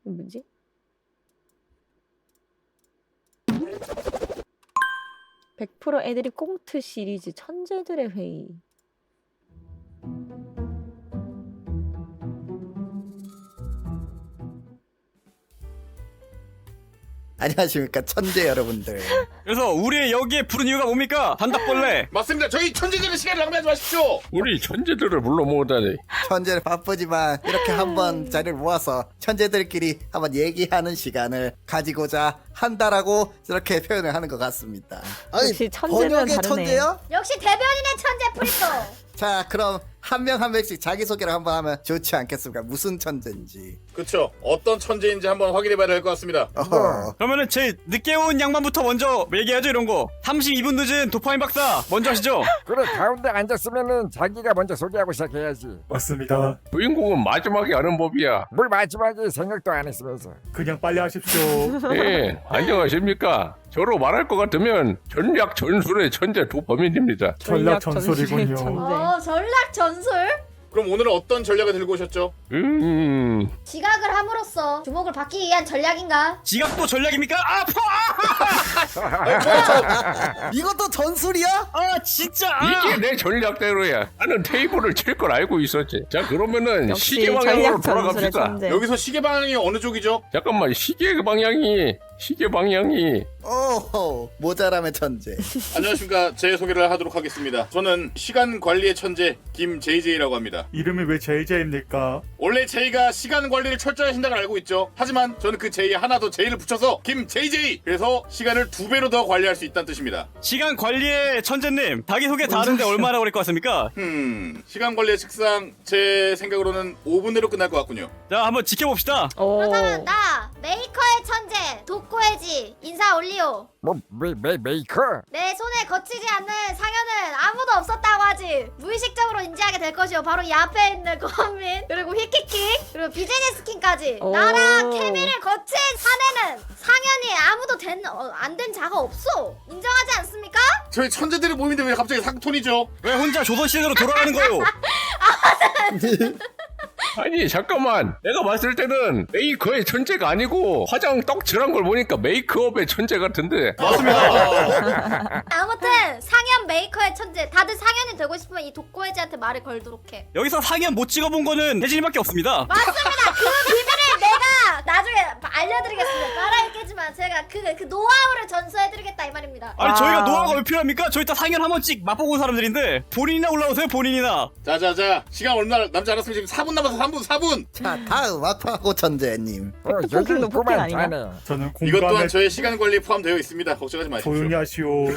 뭐지? (100%) 애드립 꽁트 시리즈 천재들의 회의. 안녕하십니까 천재 여러분들. 그래서 우리 여기에 부른 이유가 뭡니까? 단답벌레. 맞습니다. 저희 천재들의 시간을 낭비하지 마십시오. 우리 천재들을 불러 모으다니. 천재는 바쁘지만 이렇게 한번 자리를 모아서 천재들끼리 한번 얘기하는 시간을 가지고자 한다라고 이렇게 표현을 하는 것 같습니다. 아니 역시 천재는 다르네. 천재요? 역시 대변인의 천재 프리토. 자 그럼 한 명 한 명씩 자기소개를 한번 하면 좋지 않겠습니까? 무슨 천재인지. 그렇죠. 어떤 천재인지 한번 확인해봐야 될 것 같습니다. 어허. 그러면은 제일 늦게 온 양반부터 먼저 얘기하죠. 이런 거 32분 늦은 도파민 박사 먼저 하시죠. 그래 가운데 앉았으면은 자기가 먼저 소개하고 시작해야지. 맞습니다. 주인공은 마지막에 하는 법이야. 뭘 마지막에 생각도 안 했으면서. 그냥 빨리 하십시오. 네, 안녕하십니까. 저로 말할 것 같으면 전략 전술의 천재 도파민입니다. 전략 전술의 전술이군요. 천재. 전략 전술? 그럼 오늘은 어떤 전략을 들고 오셨죠? 지각을 함으로써 주목을 받기 위한 전략인가? 지각도 전략입니까? 아파! 이것도 전술이야? 아 진짜! 이게 내 전략대로야. 나는 테이블을 칠 걸 알고 있었지. 자 그러면은 역시 시계 방향으로 전략 전술의 돌아갑시다. 천재. 여기서 시계 방향이 어느 쪽이죠? 잠깐만 시계 방향이 오호 모자람의 천재. 안녕하십니까. 제 소개를 하도록 하겠습니다. 저는 시간 관리의 천재 김JJ라고 합니다. 이름이 왜 JJ입니까? 원래 J가 시간 관리를 철저히 하신다고 알고 있죠. 하지만 저는 그 J에 하나 더 J를 붙여서 김JJ! 그래서 시간을 2배로 더 관리할 수 있다는 뜻입니다. 시간 관리의 천재님 자기소개 다 하는데 얼마나 걸릴 것 같습니까? 시간 관리의 식상 제 생각으로는 5분 내로 끝날 것 같군요. 자 한번 지켜봅시다. 오. 그렇다면 나 메이커의 천재 독고해지 인사 올리오. 뭐 메이커? 내 손에 거치지 않는 상현은 아무도 없었다고 하지. 무의식적으로 인지하게 될 것이오. 바로 이 앞에 있는 권민 그리고 휘키킥 그리고 비즈니스킨까지 오. 나랑 케미를 거친 사내는 상현이 아무도 안 된 자가 없어. 인정하지 않습니까? 저희 천재들의 모임인데 왜 갑자기 상톤이죠? 왜 혼자 조선시대로 돌아가는 거예요? 아니 잠깐만 내가 봤을 때는 메이커의 천재가 아니고 화장 떡칠한 걸 보니까 메이크업의 천재 같은데. 아무튼 상현 메이커의 천재. 다들 상현이 되고 싶으면 이 독고해지한테 말을 걸도록 해. 여기서 상현 못 찍어본 거는 혜진이밖에 없습니다. 맞습니다. 그 비밀을 내가 나중에 알려드리겠습니다. 말할 깨지만 제가 그 노하우를 전수해드리겠다 이 말입니다. 아니 저희가 노하우가 왜 필요합니까? 저희 다 상현 한 번씩 맛보고 온 사람들인데 본인이나 올라오세요. 본인이나. 자자자 시간 얼마 남지 않았으면 지금 4분 남아서 4분. 자 다음 아파고 천재님. 그 폭행도 폭행 있구만 아닌가? 자네. 저는 이것 또한 공감에 저의 시간 관리에 포함되어 있습니다. 걱정하지 마십시오. 조용히 하시오.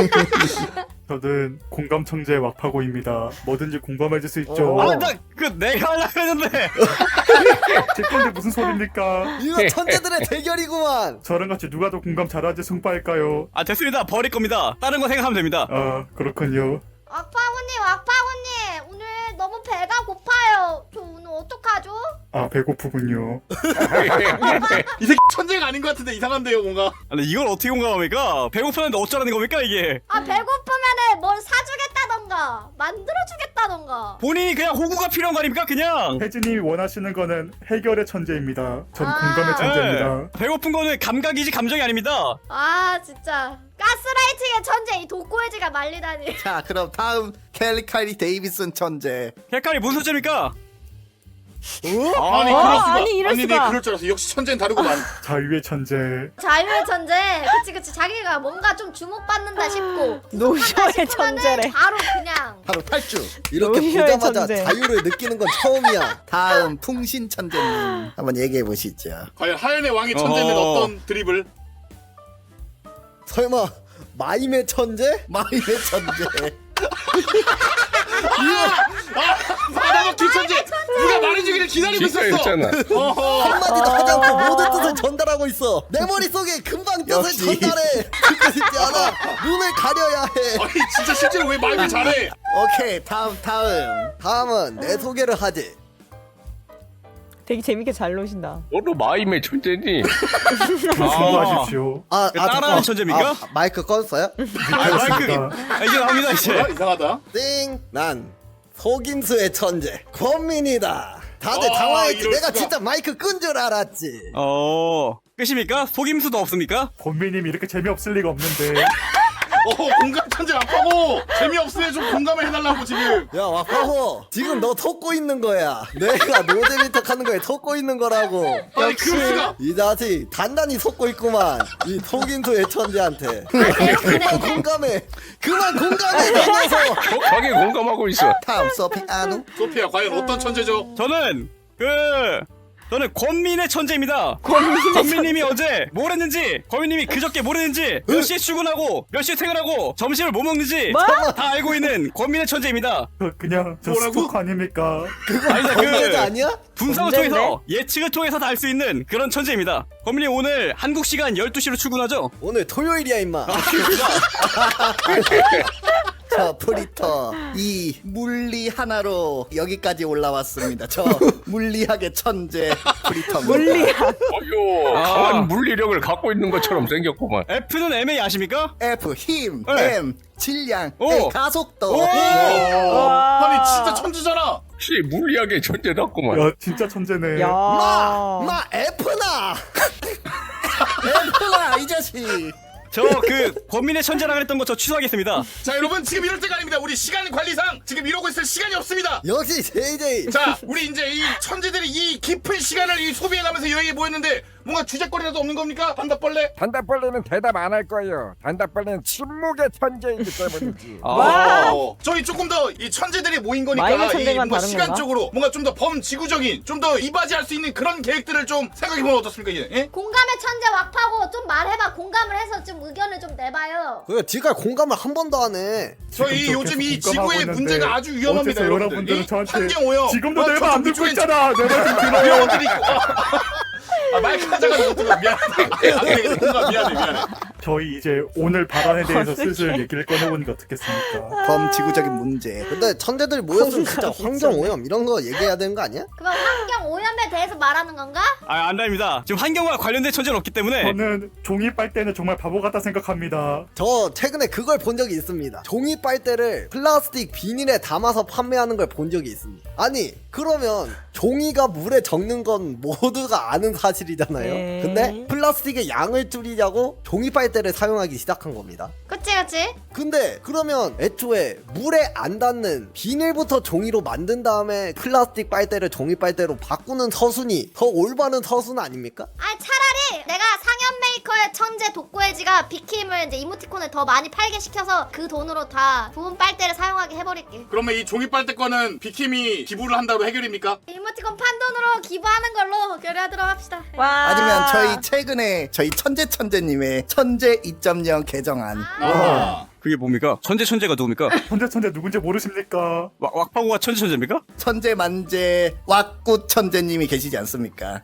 저는 공감 천재 왁파고입니다. 뭐든지 공감해줄 수 있죠. 아 나 그 내가 하려고 했는데. 제 건데 무슨 소리입니까? 이거 천재들의 대결이구만. 저랑 같이 누가 더 공감 잘하는지 승부할까요? 아 됐습니다. 버릴 겁니다. 다른 거 생각하면 됩니다. 아 그렇군요. 왁파고님 오늘 너무 배가 고파요. 저 오늘 어떡하죠? 아 배고프군요. 이 새끼 천재가 아닌 것 같은데 이상한데요 뭔가. 근데 이걸 어떻게 공감합니까? 배고프는데 어쩌라는 겁니까 이게? 배고프면은 뭘 사주겠다던가 만들어주겠다던가. 본인이 그냥 호구가 필요한 거 아닙니까 그냥? 혜진님이 원하시는 거는 해결의 천재입니다. 전 아. 공감의 천재입니다. 네. 배고픈 거는 감각이지 감정이 아닙니다. 아 진짜 가스라이팅의 천재 이 독고해지가 말리다니. 자 그럼 다음 캘리카리 데이비슨 천재. 헷갈리 무슨 소리입니까? 아니 그럴 수가. 아니, 이럴 네, 수가. 그럴 줄 알았어. 역시 천재는 다르구만. 자유의 천재. 자유의 천재. 그치 자기가 뭔가 좀 주목받는다 싶고 노쇼의 싶으면은 천재래. 바로 그냥 바로 탈주. 이렇게 노쇼의 보자마자 천재. 자유를 느끼는 건 처음이야. 다음 풍신 천재님 한번 얘기해 보시죠. 과연 하연의 왕의 천재는 어떤 드립을? 설마 마임의 천재? 마임의 천재. 바다먹기 천재. 누가 말해주기를 기다리고 진짜 있었어. 있잖아. 한마디도 하지 않고 모든 뜻을 전달하고 있어. 내 머릿속에 금방 뜻을 역시. 전달해. 듣고 싶지 않아. 눈을 가려야 해. 아니 진짜 실제로 왜 말을 잘해? 오케이 다음은 내 소개를 하지. 되게 재밌게 잘 노신다. 너도 마임의 천재니? 수고하십시오. 따라하는 천재입니까? 마이크 껐어요? 마이크 이제 나옵니다 이제. 뭐야 이상하다. 난 속임수의 천재 권민이다. 다들 당황했지. 이럴 내가 수가. 진짜 마이크 끈 줄 알았지. 끝입니까? 속임수도 없습니까? 권미님 이렇게 재미없을 리가 없는데. 공감 천재 아파고 재미없으면 좀 공감을 해달라고 지금. 야 와파호 지금 너 속고 있는 거야. 내가 노잼이턱 하는 거에 속고 있는 거라고. 아니 그럴 수가. 이 자식 단단히 속고 있구만. 이 속임수의 천재한테. 공감해. 그만 공감해. 내 녀석. 격하게 공감하고 있어. 다음 서피 아누. 소피아 과연 어떤 천재죠? 저는 권민의 천재입니다. 권민님이 어제 뭘 했는지, 권민님이 그저께 뭘 했는지, 몇 시에 출근하고, 몇 시에 퇴근하고, 점심을 뭐 먹는지 뭐? 다 알고 있는 권민의 천재입니다. 그냥 저 뭐라고? 스토커 아닙니까? 아니다, 범죄자 아니야? 분석을 언젠데? 통해서 예측을 통해서 다 알 수 있는 그런 천재입니다. 권민님 오늘 한국 시간 12시로 출근하죠? 오늘 토요일이야 임마. 저 프리터 이 물리 하나로 여기까지 올라왔습니다. 저 물리학의 천재 프리터입니다. 물리학. 어휴, 강한 물리력을 갖고 있는 것처럼 생겼구만. F는 MA 아십니까? F 힘, 네. M 질량, 오. A 가속도. 오. 아니 진짜 천재잖아. 역시 물리학의 천재답구만. 야 진짜 천재네. 야. 마 F나 F나 이 자식. 저 권민의 천재라 그랬던 거 저 취소하겠습니다. 자 여러분 지금 이럴 때가 아닙니다. 우리 시간 관리상 지금 이러고 있을 시간이 없습니다. 역시 JJ. 자 우리 이제 이 천재들이 이 깊은 시간을 이 소비해가면서 여행에 모였는데 뭔가 주제거리라도 없는 겁니까? 단답벌레? 단답벌레는 대답 안 할 거예요. 단답벌레는 침묵의 천재이기 때문이지. 와. 저희 조금 더 이 천재들이 모인 거니까 마이의 이 천재만 뭔가 다른 시간적으로 뭔가 좀 더 범지구적인 좀 더 이바지할 수 있는 그런 계획들을 좀 생각해보면 어떻습니까? 이제? 예? 공감의 천재 왁파고 좀 말해봐. 공감을 해서 좀 의견을 좀 내봐요. 그래 지금까지 공감을 한 번도 안 해. 저희 지금 요즘 이 계속 공감하고 지구의 있는데 문제가 아주 위험합니다. 어째서 여러분들. 여러분들은 이 저한테 환경오염 지금도 내 저쪽 말 안 듣고 위쪽엔 있잖아. 내 말 좀 들어. 위험한 일이 있고 마이크 하자가 못 들어. 미안해. 미안해. 저희 이제 오늘 발언에 대해서 슬슬 얘기를 꺼내보니까 어떻겠습니까? 범지구적인 문제. 근데 천재들 모였으면 진짜 환경 오염 이런 거 얘기해야 되는 거 아니야? 그럼 환경 오염에 대해서 말하는 건가? 안됩니다. 지금 환경과 관련된 천재는 없기 때문에 저는 종이 빨대는 정말 바보 같다 생각합니다. 저 최근에 그걸 본 적이 있습니다. 종이 빨대를 플라스틱 비닐에 담아서 판매하는 걸 본 적이 있습니다. 아니 그러면 종이가 물에 적는 건 모두가 아는 사실이잖아요. 네. 근데 플라스틱의 양을 줄이자고 종이 빨대를 사용하기 시작한 겁니다. 그치. 근데 그러면 애초에 물에 안 닿는 비닐부터 종이로 만든 다음에 플라스틱 빨대를 종이 빨대로 바꾸는 서순이 더 올바른 서순 아닙니까? 아 차라리 내가 상현 메이커의 천재 독고해지가 비킴을 이제 이모티콘을 더 많이 팔게 시켜서 그 돈으로 다 부은 빨대를 사용하게 해버릴게. 그러면 이 종이 빨대권은 비킴이 기부를 한다로 해결입니까? 이모티콘 판 돈으로 기부하는 걸로 결의하도록 합시다. 와. 아니면 저희 최근에 저희 천재님의 천재 2.0 개정안. 그게 뭡니까? 천재가 누굽니까? 천재 누군지 모르십니까? 왁파고가 천재입니까? 천재 만재 왁구 천재님이 계시지 않습니까?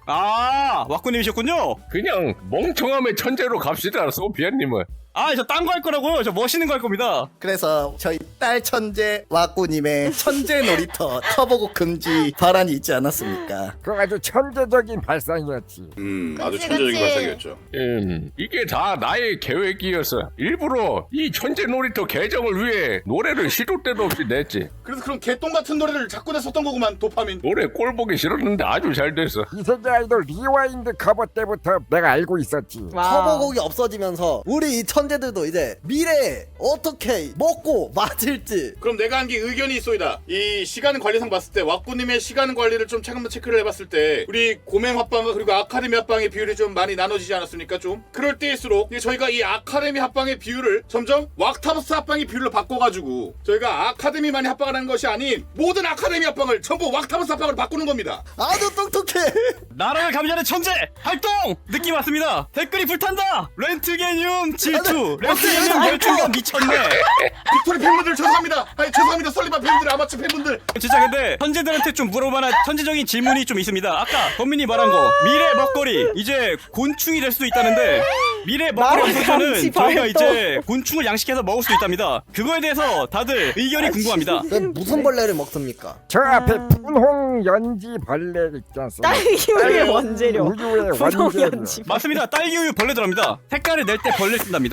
왁구님이셨군요. 그냥 멍청함의 천재로 갑시다, 소피아님은. 저 딴 거 할 거라고요. 저 멋있는 거 할 겁니다. 그래서 저희 딸 천재 왁구님의 천재 놀이터 터보곡 금지 발언이 있지 않았습니까? 그거 아주 천재적인 발상이었지. 아주 그치, 천재적인 그치. 발상이었죠. 이게 다 나의 계획이었어. 일부러 이 천재 놀이터 개정을 위해 노래를 시도 때도 없이 냈지. 그래서 그런 개똥 같은 노래를 자꾸 냈었던 거구만 도파민. 노래 꼴 보기 싫었는데 아주 잘 됐어. 이세계 아이돌 리와인드 커버 때부터 내가 알고 있었지. 와. 터보곡이 없어지면서 우리 이 천재들도 이제 미래에 어떻게 먹고 맞을지. 그럼 내가 한 게 의견이 있소이다. 이 시간 관리상 봤을 때 왁구님의 시간 관리를 좀 최근에 체크를 해봤을 때 우리 고맹 합방과 그리고 아카데미 합방의 비율이 좀 많이 나눠지지 않았습니까? 좀 그럴 때일수록 저희가 이 아카데미 합방의 비율을 점점 왁타버스 합방의 비율로 바꿔가지고 저희가 아카데미만이 합방을 하는 것이 아닌 모든 아카데미 합방을 전부 왁타버스 합방으로 바꾸는 겁니다. 아주 똑똑해. 나라를 감시하는 천재 활동 느낌 왔습니다. 댓글이 불탄다. 렌트게늄 질투. 렌트게늄 열중감 미쳤네. 빅토리 팬분들 죄송합니다. 죄송합니다. 설리반 팬분들, 아마추어 팬분들. 진짜 근데 천재들한테 좀 물어볼만한 천재적인 질문이 좀 있습니다. 아까 권민이 말한 거 미래 먹거리 이제 곤충이 될 수도 있다는데 미래 먹거리 나라 부서는 감시 저희가 발동. 이제 곤충을 양식해서 먹을 수도 있답니다. 그거에 대해서 다들 의견이 궁금합니다. 그럼 무슨 벌레를 먹습니까? 저 앞에 분홍 연지 벌레 있지 않습니까? 딸기우유의 원재료. 우유의 분홍 원재료. 연지. 맞습니다. 딸기우유 벌레 들어갑니다. 색깔을 낼 때 벌레 쓴답니다.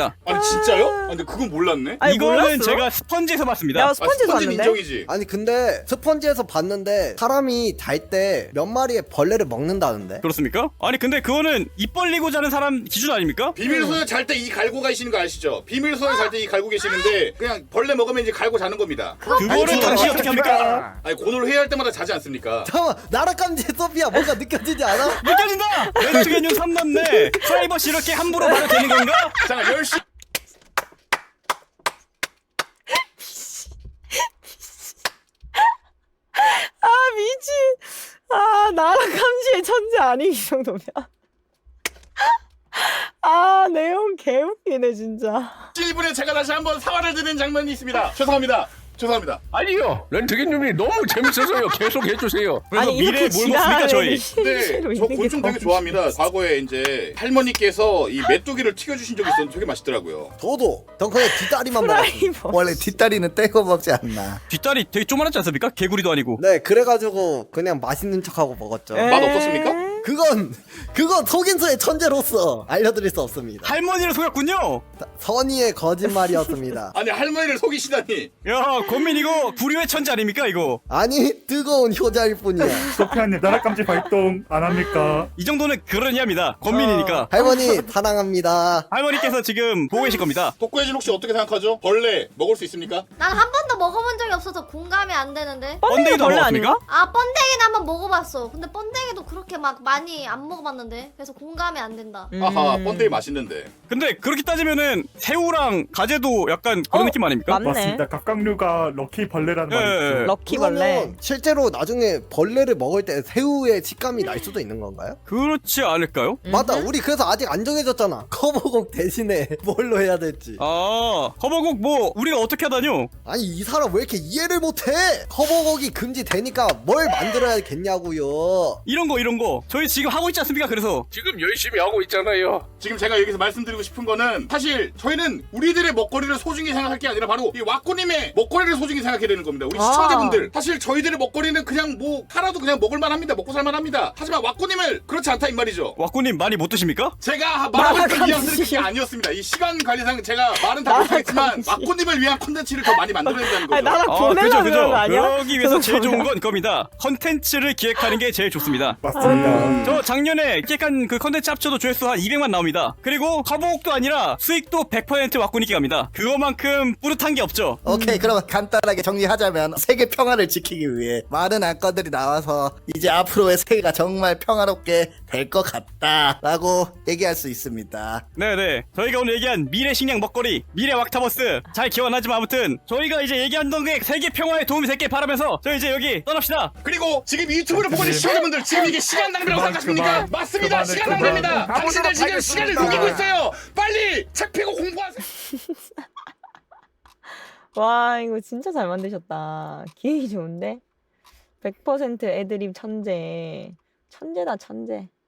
있습니다. 아니 진짜요? 아, 근데 그건 몰랐네. 아니, 이거는 몰랐어? 제가 스펀지에서 봤습니다. 야 스펀지도 스펀지는 봤는데. 인정이지. 아니 근데 스펀지에서 봤는데 사람이 잘 때 몇 마리의 벌레를 먹는다는데? 그렇습니까? 아니 근데 그거는 입 벌리고 자는 사람 기준 아닙니까? 비밀소에 잘 때 이 갈고 가시는 거 아시죠? 비밀소에 잘 때 이 갈고 계시는데 그냥 벌레 먹으면 이제 갈고 자는 겁니다. 그거를 당신이 어떻게 합니까? 아니 곤을 회의할 때마다 자지 않습니까? 잠깐만 나락감지 소피아 뭔가 느껴지지 않아? 느껴진다! 렌트겐용 3남네 프라이버시 이렇게 함부로 말해도 되는 건가? 잠깐 10시 아 미친. 아 나랑 감시의 천재 아니 이 정도면. 아 내용 개웃기네 진짜. 1분에 제가 다시 한번 사과를 드리는 장면이 있습니다. 죄송합니다. 죄송합니다. 아니요. 렌트기님이 너무 재밌어서요. 계속 해주세요. 그래서 미래에 뭘 이렇게 먹습니까 저희? 근데 실제로 저 있는 게 곤충 되게 더 좋아합니다. 과거에 이제 할머니께서 이 메뚜기를 튀겨주신 적이 있었는데 되게 맛있더라고요. 저도 덩컨에 뒷다리만 먹었어. 프라이버. 원래 뒷다리는 떼고 먹지 않나. 뒷다리 되게 조그맣지 않습니까? 개구리도 아니고. 네 그래가지고 그냥 맛있는 척하고 먹었죠. 맛 없었습니까? 그건 속인수의 천재로서 알려드릴 수 없습니다. 할머니를 속였군요. 선의의 거짓말이었습니다. 아니 할머니를 속이시다니. 야 권민 이거 불효의 천재 아닙니까 이거? 아니 뜨거운 효자일 뿐이야. 소피아님 나락감지 발동 안 합니까? 이 정도는 그러냐입니다. 권민이니까. 할머니 사랑합니다. 할머니께서 지금 보고 계실 겁니다. 독고해진 혹시 어떻게 생각하죠? 벌레 먹을 수 있습니까? 난 한 번도 먹어본 적이 없어서 공감이 안 되는데. 번데기도 안 벌레 먹었습니까? 아닌가? 아 번데기는 한번 먹어봤어. 근데 번데기도 그렇게 막 많이 안 먹어봤는데. 그래서 공감이 안 된다. 아하 번데기 맛있는데. 근데 그렇게 따지면은 새우랑 가재도 약간 그런 느낌 아닙니까? 맞네. 맞습니다. 각각류가 럭키 벌레라는 예, 말이 예, 있죠. 예. 럭키벌레. 그러면 실제로 나중에 벌레를 먹을 때 새우의 식감이 날 수도 있는 건가요? 그렇지 않을까요? 맞다 우리 그래서 아직 안 정해졌잖아. 커버곡 대신에 뭘로 해야 될지. 아 커버곡 뭐 우리가 어떻게 하다뇨? 아니 이 사람 왜 이렇게 이해를 못해? 커버곡이 금지되니까 뭘 만들어야겠냐고요. 이런 거 저희 지금 하고 있지 않습니까? 그래서 지금 열심히 하고 있잖아요. 지금 제가 여기서 말씀드리고 싶은 거는 사실 저희는 우리들의 먹거리를 소중히 생각할 게 아니라 바로 이 왁구님의 먹거리를 소중히 생각해야 되는 겁니다. 우리 시청자분들 사실 저희들의 먹거리는 그냥 뭐 하나도 그냥 먹을만 합니다. 먹고 살만 합니다. 하지만 왁구님을 그렇지 않다 이 말이죠. 왁구님 많이 못 드십니까? 제가 말하고 있던 뉘앙스는 그게 아니었습니다. 이 시간 관리상 제가 말은 다 못하겠지만 왁구님을 위한 콘텐츠를 더 많이 만들어야 된다는 거죠. 아니 나랑 그죠 보내려고 그런 거 그죠. 아니야? 그러기 위해서 제일 좋은 보내려. 건 이겁니다. 컨텐츠를 기획하는 게 제일 좋습니다. 맞습니다. 저 작년에 기획한 그 컨텐츠 합쳐도 조회수 한 200만 나옵니다. 그리고 커버곡도 아니라 수익도 100% 왁구님께 갑니다. 그거만큼 뿌듯한 게 없죠. 오케이, 그럼 간단하게 정리하자면 세계 평화를 지키기 위해 많은 안건들이 나와서 이제 앞으로의 세계가 정말 평화롭게 될 것 같다라고 얘기할 수 있습니다. 네네. 저희가 오늘 얘기한 미래 식량 먹거리, 미래 왁타버스 잘 기억 안 나지만 아무튼 저희가 이제 얘기한 게 세계 평화에 도움이 될게 바라면서 저희 이제 여기 떠납시다. 그리고 지금 유튜브를 보고 있는 시청자분들 지금 이게 시간 낭비라고 생각하십니까? 맞습니다. 시간 낭비입니다. 당신들 지금 시간을 녹이고 있어요. 빨리 책 펴고 공부하세요. 와 이거 진짜 잘 만드셨다. 기획이 좋은데? 100% 애드립 천재. 천재다 천재.